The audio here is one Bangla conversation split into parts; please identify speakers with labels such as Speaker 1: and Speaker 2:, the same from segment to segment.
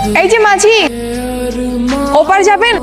Speaker 1: এই যে মাঝি, ওপার যাবেন?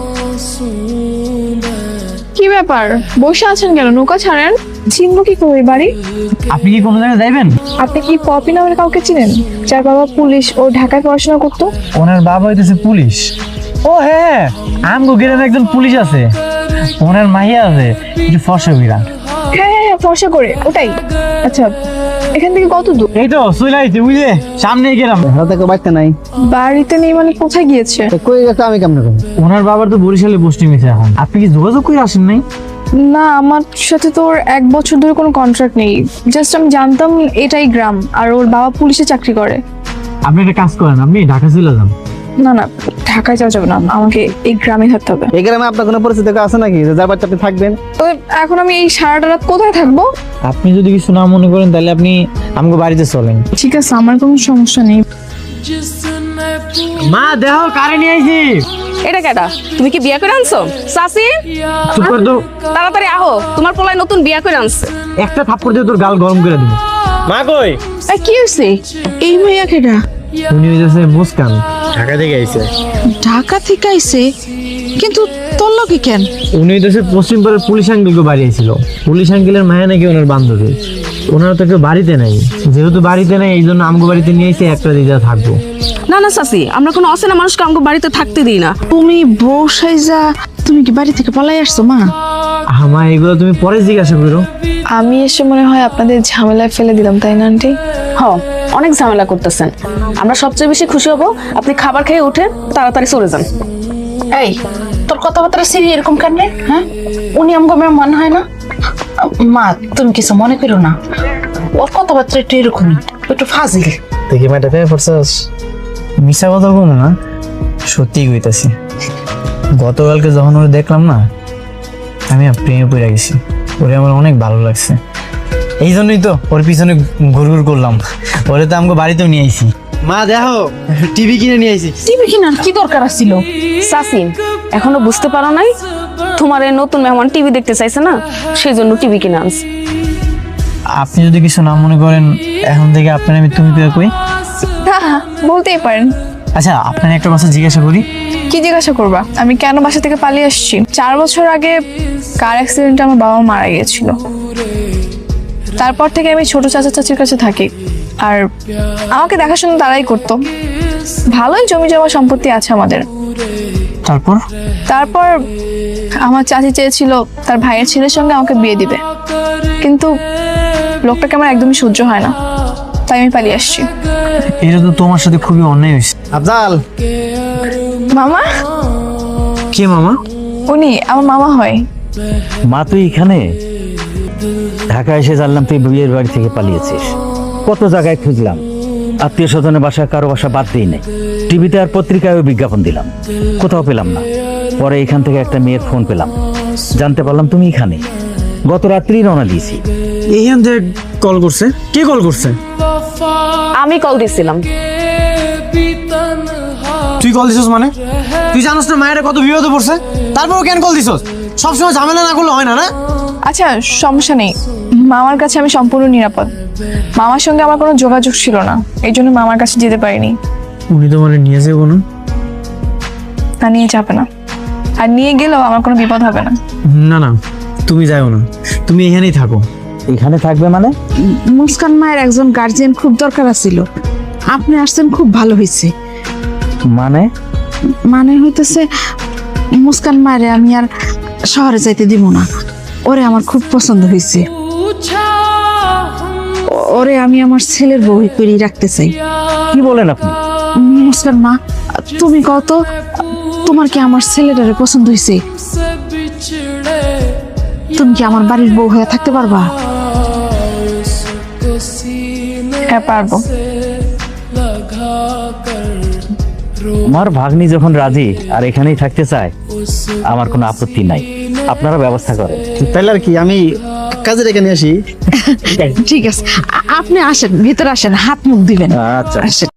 Speaker 1: কি ব্যাপার, বসে আছেন কেন? নৌকা ছাড়েন। চিনব কি করে বাড়ি?
Speaker 2: আপনি কি কোনো জায়গায় যাইবেন?
Speaker 1: আপনি কি পপি নামের কাউকে চিনেন, যার বাবা পুলিশ ও ঢাকায় পড়াশোনা করতো?
Speaker 2: ওনার বাবা হইতেছে পুলিশ। ও হ্যাঁ, আমগো গ্রামে একজন পুলিশ আছে, ওনার মাইয়া আছে, একটু ফর্সা বিরাট।
Speaker 1: হ্যাঁ হ্যাঁ হ্যাঁ, ফর্সা করে, ওটাই। আচ্ছা, এখান থেকে কত দূর?
Speaker 2: এই তো চলে আইছে, বুঝলে সামনে গেলাম।
Speaker 3: হাতে বাড়তে নাই,
Speaker 1: বাড়িতে নেই মানে কোথায় গিয়েছে?
Speaker 3: কই গেছে আমি কেমন করবো?
Speaker 2: ওনার বাবার তো বরিশালে পোস্টিং হয়েছে এখন। আপনি কি যোগাযোগ করে আসেন নাই?
Speaker 1: না, আমার সাথে তো ওর 1 বছর ধরে কোনো কন্ট্রাক্ট নেই। জাস্ট আমি জানতাম এটাই গ্রাম, আর ওর বাবা পুলিশে চাকরি করে।
Speaker 2: আপনি একটা কাজ করেন, আপনি ঢাকা চলে যান।
Speaker 1: না না, ঢাকায় যাওয়া যাবে না, আমাকে এই গ্রামে থাকতে হবে।
Speaker 3: এই গ্রামে আপনার কোনো পরিচিত কেউ আছে নাকি যে যার বাড়িতে আপনি থাকবেন?
Speaker 1: তবে এখন আমি এই সারাটা রাত কোথায় থাকবো?
Speaker 2: আপনি যদি কিছু না মনে করেন তাহলে আপনি আমাকে বাড়িতে চলেন।
Speaker 1: ঠিক আছে, আমার কোনো সমস্যা নেই।
Speaker 2: মা দেখো কারে নিয়ে আইছি।
Speaker 4: এটা কেডা? তুমি কি বিয়া করে আনছো? সাসি,
Speaker 2: চুপ কর তো,
Speaker 4: তাড়াতাড়ি আহো, তোমার পোলায় নতুন বিয়া করে আনছে।
Speaker 2: একটা থাপ্পড় দিয়ে তোর গাল গরম করে দিব। মা কই?
Speaker 1: কি হয়েছে? এই ভাইয়া কেডা?
Speaker 2: উনি হইতেছে মুস্কান, ঢাকা থেকে আইছে।
Speaker 5: ঢাকা থেকে আইছে, কিন্তু তোর লোকে কেন?
Speaker 2: উনি হইতেছে পশ্চিম পাড়ার পুলিশ আঙ্কেলকে বাড়ি আইছিল। পুলিশ আঙ্কেলের মায়া নাকি ওনার বান্ধবী। ওনারা তো কেউ বাড়িতে নাই, যেহেতু বাড়িতে নাই এই জন্য আমগো বাড়িতে নিয়ে এসে একটা দিদা থাকবো।
Speaker 4: না না সাসি, আমরা কোনো অচেনা মানুষকে আমাকে বাড়িতে থাকতে দিই না।
Speaker 5: তুমি বউ সাইজা তুমি কি বাড়ি থেকে পালাই আসছো মা?
Speaker 2: আমার এগুলো তুমি পরে জিজ্ঞাসা করো।
Speaker 1: আমি এসে মনে হয় আপনাদের ঝামেলায় ফেলে দিলাম, তাই না আন্টি?
Speaker 4: হ, অনেক ঝামেলা করতেছেন। আমরা সবচেয়ে বেশি খুশি হব আপনি খাবার খেয়ে উঠে তাড়াতাড়ি চলে যান।
Speaker 5: এই তোর কথাবার্তা সিরি এরকম কেন রে? হ্যাঁ, উনি আমগো মেয়ে মনে হয় না? মা তুমি কিছু মনে করো না, ওর কথাবার্তা একটু এরকমই, একটু ফাজিল।
Speaker 2: দেখি মাটা পেয়ে পড়ছস। মিশা কথা বলবো না, সত্যি কইতাছি। গতকালকে যখন ওরে দেখলাম না, আমি প্রেমে পড়ে গেছি। ওরে আমার অনেক ভালো লাগছে, এই জন্যই তো ওর পিছনে ঘুরঘুর করলাম। ওরে তো আমাকে বাড়িতেও নিয়ে আইছি। মা দেখো, টিভি কিনে নিয়ে আইছি।
Speaker 5: টিভি কেনার কি দরকার ছিল?
Speaker 4: সাসি, এখনো বুঝতে পারো নাই? তোমার এই নতুন মেহমান টিভি দেখতে চাইছে না, সেই জন্য টিভি কিনে আনছে।
Speaker 2: আপনি যদি কিছু না মনে করেন, এখন থেকে আপনার আমি তুমি পেয়ে কই।
Speaker 1: না, বলতেই পারেন।
Speaker 2: আচ্ছা, আপনার একটা কথা জিজ্ঞাসা করি।
Speaker 1: কি জিজ্ঞাসা করবা? আমি কেন বাসা থেকে পালিয়ে আসছি? 4 বছর আগে কার অ্যাক্সিডেন্টে আমার বাবা মারা গিয়েছিল। তারপর থেকে আমি ছোট চাচা চাচির কাছে থাকি, আর আমাকে দেখাশোনা তারাই করতো। ভালোই জমি জমা সম্পত্তি আছে আমাদের।
Speaker 2: তারপর
Speaker 1: তারপর আমার চাচি চেয়েছিল তার ভাইয়ের ছেলের সঙ্গে আমাকে বিয়ে দিবে, কিন্তু লোকটাকে আমার একদমই সহ্য হয় না, তাই আমি পালিয়ে আসছি।
Speaker 2: এটা তো তোমার সাথে খুবই অন্যায় হয়েছে।
Speaker 3: আফজাল,
Speaker 1: মামা?
Speaker 2: কে মামা?
Speaker 1: উনি আমার মামা হয়।
Speaker 6: মা তুই এখানে? ঢাকা এসে জানলাম তুই বিয়ের বাড়ি থেকে পালিয়েছিস। কত জায়গায় খুঁজলাম, আত্মীয় স্বজনের বাসা কারো বাসা বাদ দিই নাই। টিভিতে আর পত্রিকায়ও বিজ্ঞাপন দিলাম, কোথাও পেলাম না। পরে এখান থেকে একটা মেয়ের ফোন পেলাম, জানতে পারলাম তুমি এখানে। গত রাত্রি রওনা দিয়েছি।
Speaker 2: এইখান থেকে কল করছে? কে কল করছে?
Speaker 4: আমি কল দিছিলাম।
Speaker 2: তুই কল দিছস মানে? তুই জানোস না মায়েরা কত বিপদে পড়ছে, তারপরও কেন কল দিছস? সবসময় ঝামেলা না করলে হয় না? না
Speaker 1: আচ্ছা, সমস্যা নেই, মামার কাছে আমি সম্পূর্ণ নিরাপদ। মামার সঙ্গে আমার কোনো যোগাযোগ ছিল না, এই জন্য মামার কাছে যেতে পারিনি।
Speaker 2: উনি তো মানে নিয়ে যাবো না?
Speaker 1: তা নিয়ে যাবে না, আর নিয়ে গেলেও আমার কোনো বিপদ হবে না।
Speaker 2: না না, তুমি যাও না, তুমি এখানেই থাকো।
Speaker 6: এখানে থাকবে মানে?
Speaker 5: মুস্কান মায়ের একজন গার্জিয়ান খুব দরকার ছিল, আপনি আসছেন, খুব ভালো হয়েছে।
Speaker 6: মানে?
Speaker 5: মানে হইতেছে মুস্কান মায়ের আমি আর শহরে যাইতে দিব না, ওরে আমার খুব পছন্দ হয়েছে। ওরে আমি আমার ছেলের বউ করে রাখতে চাই।
Speaker 6: কি বলেন আপনি?
Speaker 5: মুস্কান মা, তুমি কত, তোমার কি আমার ছেলেটারে পছন্দ হয়েছে? তুমি কি আমার বাড়ির বউ হয়ে থাকতে পারবা?
Speaker 1: হ্যাঁ, পারবো।
Speaker 6: আমার ভাগ্নি যখন রাজি আর এখানেই থাকতে চায়, আমার কোনো আপত্তি নাই। আপনারা ব্যবস্থা করেন।
Speaker 3: তাইলে আর কি আমি কাজে রেখে নিয়ে আসি।
Speaker 5: ঠিক আছে, আপনি আসেন, ভিতরে আসেন, হাত মুখ দিবেন।
Speaker 6: আচ্ছা।
Speaker 5: আসেন।